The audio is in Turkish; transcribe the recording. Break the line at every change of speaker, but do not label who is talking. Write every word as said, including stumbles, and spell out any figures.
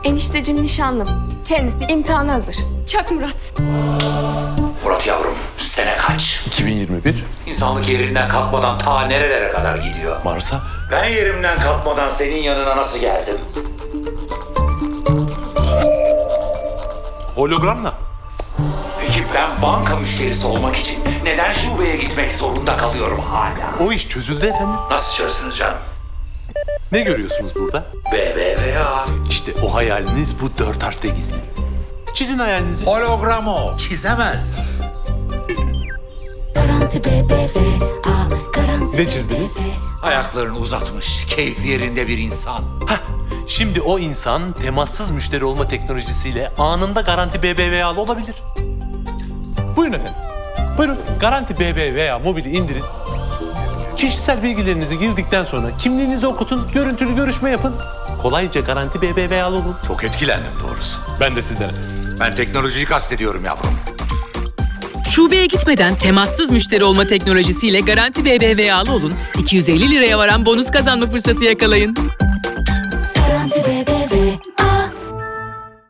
Eniştecim nişanlım. Kendisi imtihana hazır. Çak Murat.
Murat yavrum, sene kaç?
iki bin yirmi bir.
İnsanlık yerinden kalkmadan ta nerelere kadar gidiyor?
Mars'a.
Ben yerimden kalkmadan senin yanına nasıl geldim?
Hologramla.
Peki ben banka müşterisi olmak için neden şubeye gitmek zorunda kalıyorum hala?
O iş çözüldü efendim.
Nasıl çözsünüz canım?
Ne görüyorsunuz burada?
B B V A.
İşte o hayaliniz bu dört harfte gizli. Çizin hayalinizi.
Hologram o. Çizemez.
Garanti B B V A, garanti
Ne çizdiniz?
B B V A.
Ayaklarını uzatmış, keyif yerinde bir insan.
Hah, şimdi o insan temassız müşteri olma teknolojisiyle anında Garanti B B V A'lı olabilir. Buyurun efendim. Buyurun. Garanti B B V A mobili indirin. Kişisel bilgilerinizi girdikten sonra kimliğinizi okutun, görüntülü görüşme yapın. Kolayca Garanti B B V A'lı olun.
Çok etkilendim doğrusu.
Ben de sizden efendim.
Ben teknolojiyi kastediyorum yavrum.
Şubeye gitmeden temassız müşteri olma teknolojisiyle Garanti B B V A'lı olun. iki yüz elli liraya varan bonus kazanma fırsatı yakalayın.
Garanti B B